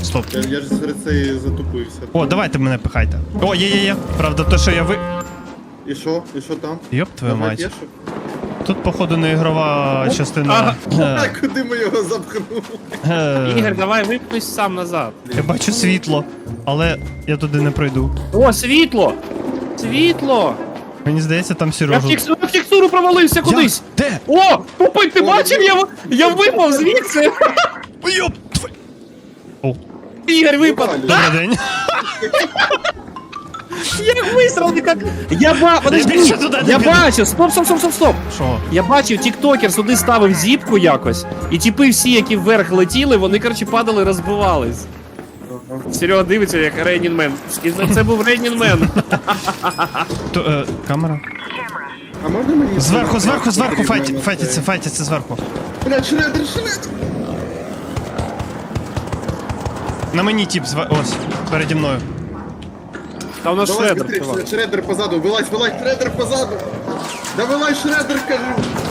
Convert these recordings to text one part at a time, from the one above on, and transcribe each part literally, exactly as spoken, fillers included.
Стоп. Я, я ж серед цієї затупився. О, давайте мене пихайте. О, є-є-є. Правда, то, що я ви... І що? І що там? Йоп твою Давай мать. п'єшу? Тут, походу, не ігрова частина. А куди ми його запхнули? Е, Ігор, давай випнись сам назад. Я бачу світло, але я туди не пройду. О, світло! Світло! Мені здається, там Я в Сережу. текстуру, в текстуру провалився кудись! Де? О! Попий, ти бачив? Я, я випав звідси! Йоп! твою- О, Ігор випав! добрий день. Як вистріли, як... Я ба... Подожди! більше туди не Я піду. бачив! Стоп, стоп, стоп, стоп, стоп! Що? Я бачив, тіктокер сюди ставив зіпку якось, і типи всі, які вверх летіли, вони, коротше, падали, розбивались. Серега дивиться, як Рейнін Мен. І це- це був Рейнін Мен. То, е, камера? А можна мені... Зверху, зверху, зверху Потрібно файті, на файтяться, це? файтяться зверху. Блядь, шредер, шредер! На мені тип, зва... ось, переді мною. Та у нас Давай, шредер. быстрее, чувак. шредер позаду, вилазь, вилазь, шредер позаду! Да вилазь, шредер, кажу!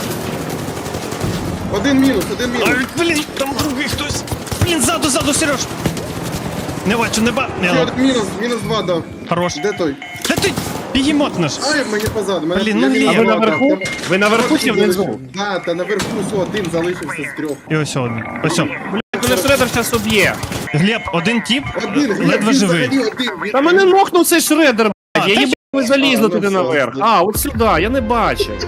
Один мінус, один мінус. Ай, блін, там другий хтось. Блін, ззаду, ззаду, Сереж. Не бачу, не ба... Ще Не, один мінус, мінус два дав. хорош. Де той? Де ти? Бігемот наш. Ай, мені позаду. Мене, Блін, я ну мінус ні. А ви два дав. наверху? Там- Ви наверху чи Один внизу? залишив. Да, та наверху все, один залишився з трьох. І ось один. Ось он. Мене шредер зараз уб'є. Глеб, один тип, Один, Глеб, ледве він живий. взагалі один. Він- Та мене нокнув цей шредер, блядь. Я та їбав, ви залізли А, ну туди все, наверх. ну. А, от сюди, я не бачив.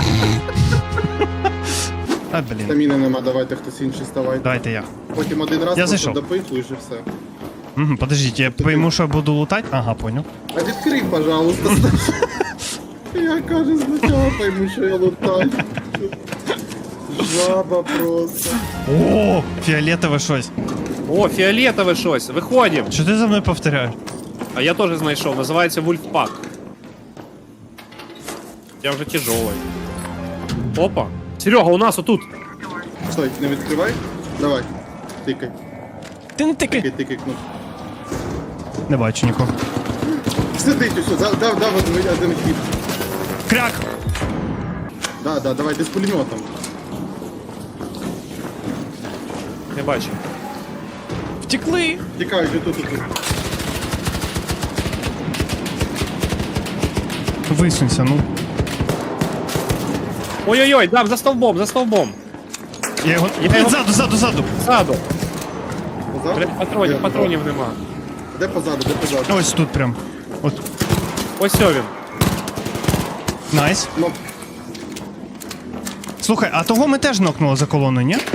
А, блін. Стаміни нема, давайте хтось інший ставайте. Давайте я. Потім один раз Я просто зайшов. допихуєш і все. Угу, подождіть, я пойму, що буду лутати? Ага, понял. А відкрий, пожалуйста. Я кажу, спочатку пойму, що я лутаю. Жаба просто. О, фіолетове щось. О, фіолетове щось. Виходимо. Що ти за мною повторяєш? А я теж знайшов, називається Вульфпак. Я вже тяжелий. Опа. Серега, у нас отут. Стой, не відкривай. Давай. Тикай, Ти не тикай. тикай, тикай кнопку. Не бачу нікого. Сидить усе, дав, дав, дав один, один хід. Кряк! Да, да, давай, ти з пулеметом. Не бачу. Втекли! Тікають отут, отут. Висунься, ну. Ой-ой-ой, дам, за стовбом, за стовбом. Я його... Я Блін, його- ззаду, ззаду, ззаду! Ззаду. Позаду? Блядь, патронів, Де патронів нема. позаду? Де позаду, де позаду? Ось тут прям. От. Ось о він. Найс. Ну, Слухай, а того ми теж нокнули за колоною, ні?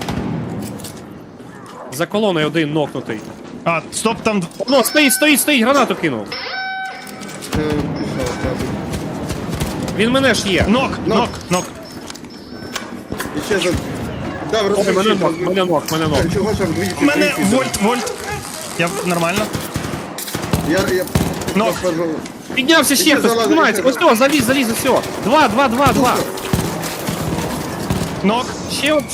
За колоною один нокнутий. А, стоп, там... О, стоїть, стоїть, стоїть, гранату кинув. е, пішов, зразу. Він мене ж є. Нок, Нок. нок, нок. І ще за... Дав, Ой, мене розпочив. нок, мене нок, мене нок. Чого ж вдвічі? Мене вдвічі? вольт, вольт. Я нормально. Я, я... Нок. Пожалуй. Піднявся ще Іди, хтось, залазь, піднімається. іди. Ось о, заліз, заліз, ось о. Два, два, два, два. Нок, Ще от.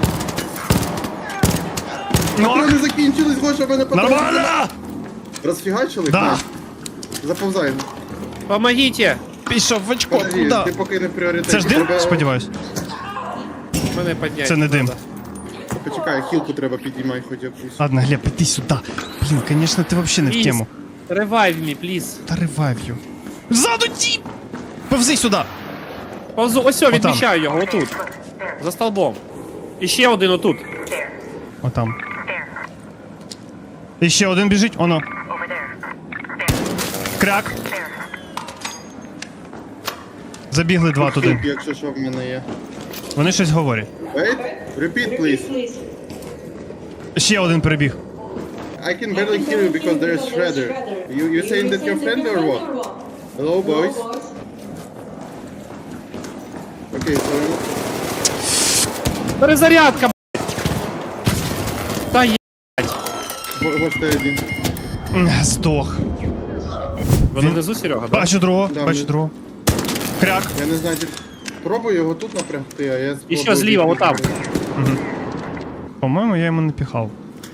нок. Патрони закінчились, Гоша, мене патрони. Нормально! Розфігачили? Да. На. Заповзай. Помогите. Пішов в очко, Подожди, куда? ти поки не пріоритет. Це ж дим, Треба- сподіваюсь? Мене підняти. Це не дим. Почекай, хілку треба підіймати хоч якусь. Ладно, Глеб, іди сюди. Блін, конечно, ти вообще не в тему. Revive me, please. Та ревайв'ю. Ззаду тіп! Повзи сюди! Повзу, ось о, Отам. відмічаю його, отут. За столбом. І ще один отут. Отам. І ще один біжить, оно. Кряк. Забігли два туди. Хілки, якщо що в мене є. Вони щось говорять. Wait, repeat, please. Ще один прибіг. I can barely hear you because there is Shredder. You you saying that your friend or what? Hello, boys. Okay, so Перезарядка, б***ь. Та є. Гош ти один. М, Здох. Вони внизу, Серега, да? Бачу другого, Да, бачу ми- другого. Кряк. Я не знаю, чи... Пробуй його тут напрягти, а я спробую... І ще зліва, тут отам. напрягти. По-моєму, я йому не піхав.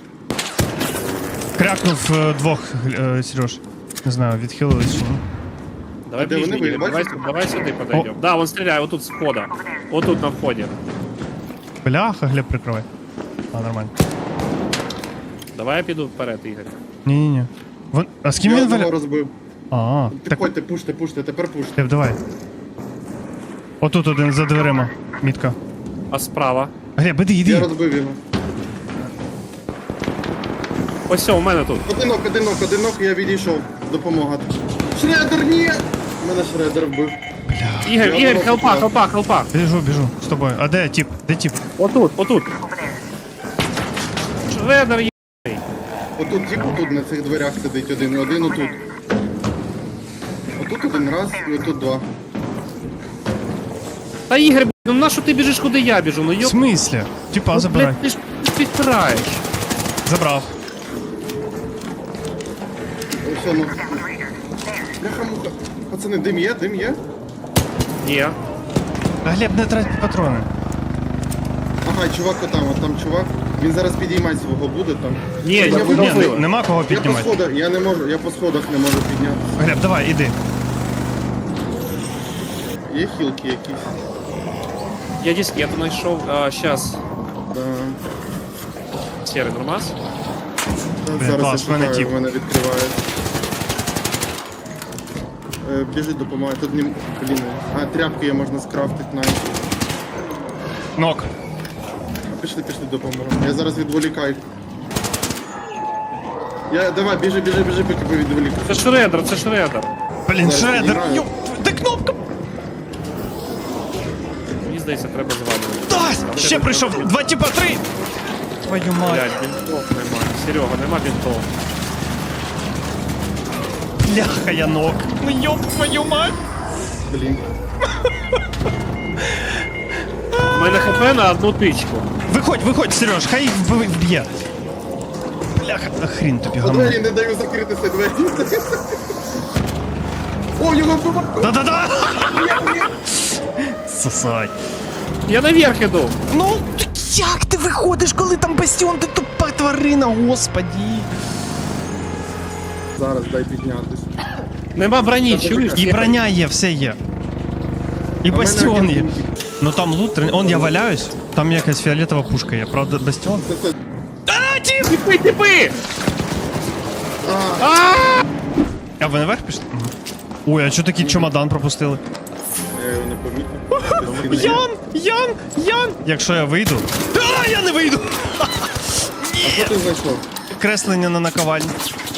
Крякнув е, двох, е, Сереж. Не знаю, відхилились чи ні. Давай А де вони ближній, були, давай, бачите? давай сюди подойдем. Да, он стріляє, отут з входа. Отут на вході. Бляха, Глеб, прикривай. А, нормально. Давай я піду вперед, Ігор. Ні-ні-ні. Вон... А з ким Я він одного валя? розбив. А, так, Підходьте, пуште, пуште, тепер пуште. Теп, давай. Отут один за дверима. Мітка. А справа? Глеб, іди, Я іди. розбив його. Ось все, у мене тут. Одинок, одинок, одинок, я відійшов. Допомога. Шредер, ні! Мене шредер вбив. Ігор, Я Ігор, одного хелпа, поклав. хелпа, хелпа. Біжу, біжу з тобою. А де тіп? Де тіп? Отут, отут. Шредер, є. Отут тип, отут на цих дверях сидить один, один отут. Отут один раз і отут два. Та Ігор, блядь, ну на що ти біжиш, куди я біжу? Ну В йоп. смислі? Тіпа, Ну, забирай. блядь, ти ж підпираєш. Забрав. Ось воно. Бляха-муха. Пацани, дим є, дим є? Ні. А Глеб, не трать патрони. Ага, чувак отам, от там чувак. Він зараз підіймати свого буде там. Ні, Я я вибив. Ні, вибив. не- нема кого Я по піднімати. сходах, я не можу, я по сходах не можу підняти. Глеб, давай, іди. Є хілки якісь? Я дискету знайшов. А, щас. Да. Серий нормас. Та Блін, зараз клас, я в мене шукаю, тіп. в мене відкриває. Е, біжить, допомагає. Тут не... Блін. А, тряпки є, можна скрафтити навіть. Нок. Пішли, пішли, допоможемо. Я зараз відволікаю. Я, давай, біжи, біжи, біжи, поки ви відволікаю. Це шредер, це шредер. Блін, Зараз шредер. піднімаю. Йоп, де кнопка? Мені здається, треба звалювати. Да, ще прийшов. Два тіпа, три. Твою мать. Блядь, бінтов нема. Серега, нема бінтов. Бляха, я нок. Ну йоп, твою мать. Блін. У мене хп на одну тичку. Виходь, виходь, Сереж, хай їх вб- вб'є. Бляха, а хрін тобі По гамно. двері не даю закритися, двері. О, його вбиває! Да-да-да! Сосай. Я наверх іду. Ну, як ти виходиш, коли там бастіон, ти тупа тварина, господі. Зараз дай піднятись. Нема броні, чуєш? І броня є, все є. І А в мене бастіон один є. пунктик. Ну там лут, он я валяюсь, там якась фіолетова пушка є, правда, бастіон. Це це. А, тіп! Типи, типи! А ви наверх пішли? Мгм. Ой, а чого такий чемодан пропустили? Я його не помітив. Ян! Ян! Ян! Якщо я вийду. А, я не вийду! А що ти знайшов? Креслення на наковальні.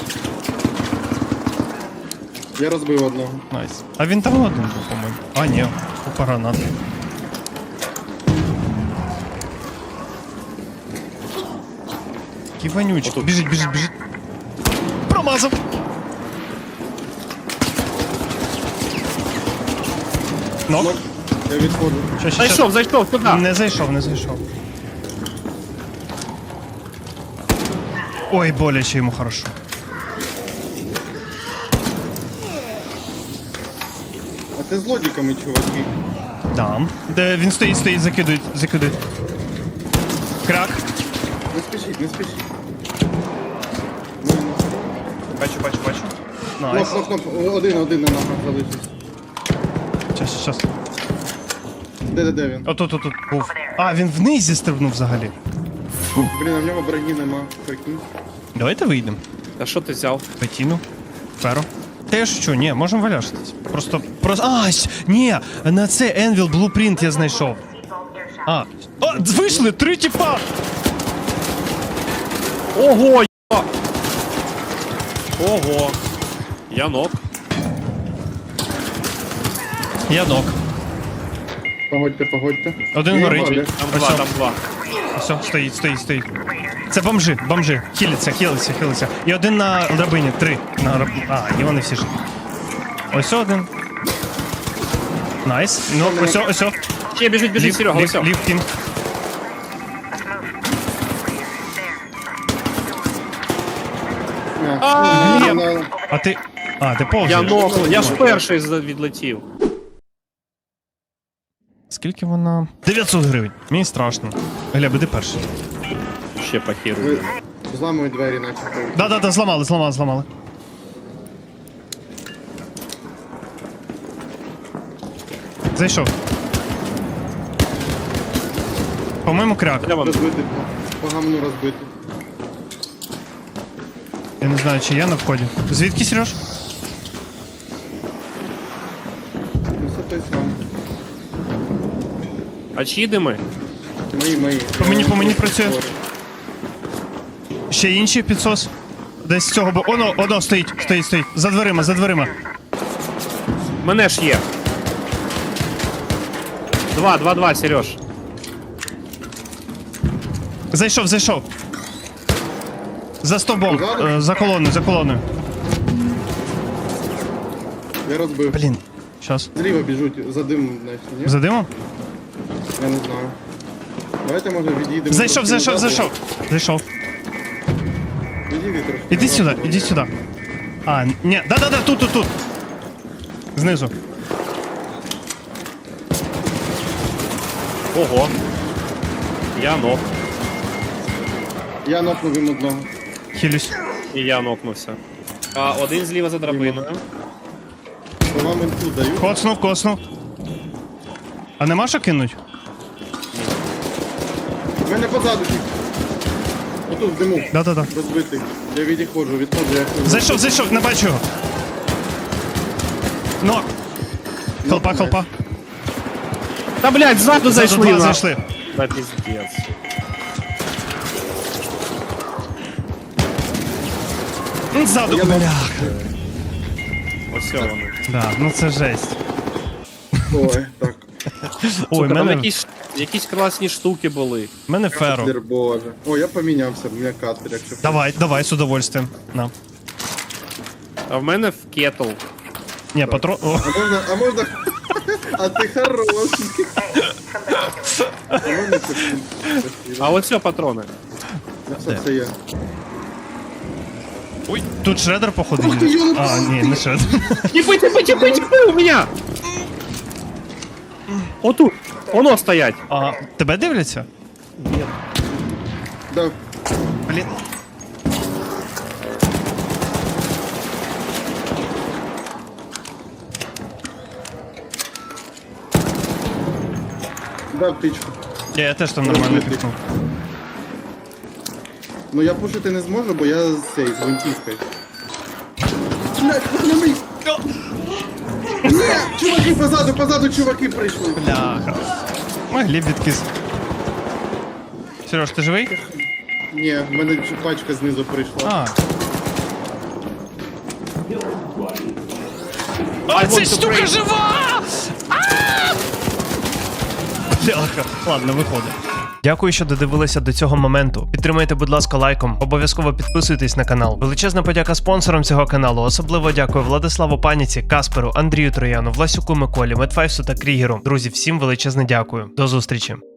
Я розбив одного. Найс. А він там один був, по-моєму. А, ні, купа гранат. Який вонючий. Біжить, біжить, біжить. Промазав! Нок. Нок. Я відходжу. Ща, ща, ща. Зайшов, зайшов, сюди. Не зайшов, не зайшов. Ой, боляче йому хорошо. А ти з лодіками, чуваки. Дам. Де він стоїть, стоїть, закидують, закидують. Крак. Не спішіть, не спішіть. Бачу, бачу, бачу. Кноп, Найс. кноп, кноп. Один, один на ногах залишився. Щас, щас. Де, де, де він? Отут, отут був. А, він вниз зістрибнув взагалі. Блін, а в нього броні нема. Прикинь. Давайте вийдемо. А що ти взяв? Петіну. Феро. Та я що, ні, можемо валяшитись. Просто, просто, а, щ- ні, на це Envil Blueprint я знайшов. А, о, вийшли, три тіпа! Ого, я. Ого. Я нок. Я нок. Погодьте, погодьте. Один Є, горить. Валя. Там Ось два, о. там два. Все, стоїть, стоїть, стоїть. Це бомжи, бомжи. Хілиться, хілиться, хілиться. І один на драбині, три. На раб... А, і вони всі ж. Ось один. Найс. Ну, ось, о, ось. о. Ще біжить, біжить, Лів, Серега, лів, ось. о. лів, кінг. А, А, ну, на- А ти. А, ти Я повзаєш. нок, я ж перший з- відлетів. Скільки вона? дев'ятсот гривень. Мені страшно. Глеб, іди перший. Ще похерую. ви зламують двері, начебто. Да-да-да, зламали, зламали, зламали. Зайшов. По-моєму, кряк. Де вони? Розбити. По гамну розбити. Я не знаю, чи я на вході. Звідки, Сереж? Ну, це той сам. А чиї дими? Мої, мої. По мені, по мені працює. Ще інші підсос. Десь з цього бо. Оно, оно стоїть, стоїть, стоїть. За дверима, за дверима. Мене ж є. Два, два, два, Сереж. Зайшов, зайшов. За стовбом, Позаду? е, за колоною, за колоною. Я розбив. Блін, щас. Зліва біжуть, за дим, значить, ні? За димом? Я не знаю. Давайте, може, відійдемо. Зайшов, трошки зайшов, назад. зайшов. Зайшов. Відійди трошки. Іди назад, сюди, може. іди сюди. А, ні, да-да-да, тут, тут, тут. Знизу. Ого. Я нок. Я нокнув їм одного. Хилюсь. І я нокнувся. А один зліва за драбиною. То вам інфу даю. Коцнув, коцнув. А нема що кинуть? У мене позаду тільки. Отут в диму. Да-да-да. Розбитий. Я відходжу, відходжу, я хожу. Зайшов, зайшов, не бачу його. Нок. Хелпа, хелпа. Та, блядь, ззаду Зайшли, зайшли. два на- зайшли. Та піздець. Ззаду. Я нок. Бляха. Ось вони. Да, ну це жесть. Ой, так. Ой, Сука, там мене, якісь, якісь класні штуки були. мене феро. Катлер, боже. О, я помінявся, у мене катлер, якщо. Давай, давай, з удовольствием. На. А в мене в кетл. Ні, патрон. О, А можна, а можна... А ти хороший. А можна це? А ось все патрони. Це це я. ой, тут шредер, походу, Ух ти, їде. ёлка. А, ні, не шредер. Тіпи, тіпи, тіпи, тіпи у мене! Отут. Воно стоять. А, тебе дивляться? Да. Блін. Да, птичку. Я, я теж там нормально пікнув. Ну я пушити не зможу, бо я з цей, з гвинтівкою. Блять, на мій! Ні! Чуваки позаду, позаду чуваки прийшли. Бляха. Могли б відкис. Сереж, ти живий? Ні, в мене ч- пачка знизу прийшла. А. I А, want ця to штука break. жива! А! Бляха. Ладно, виходить. Дякую, що додивилися до цього моменту. Підтримайте, будь ласка, лайком. Обов'язково підписуйтесь на канал. Величезна подяка спонсорам цього каналу. Особливо дякую Владиславу Паніці, Касперу, Андрію Трояну, Власюку Миколі, Медфайсу та Крігеру. Друзі, всім величезне дякую. До зустрічі.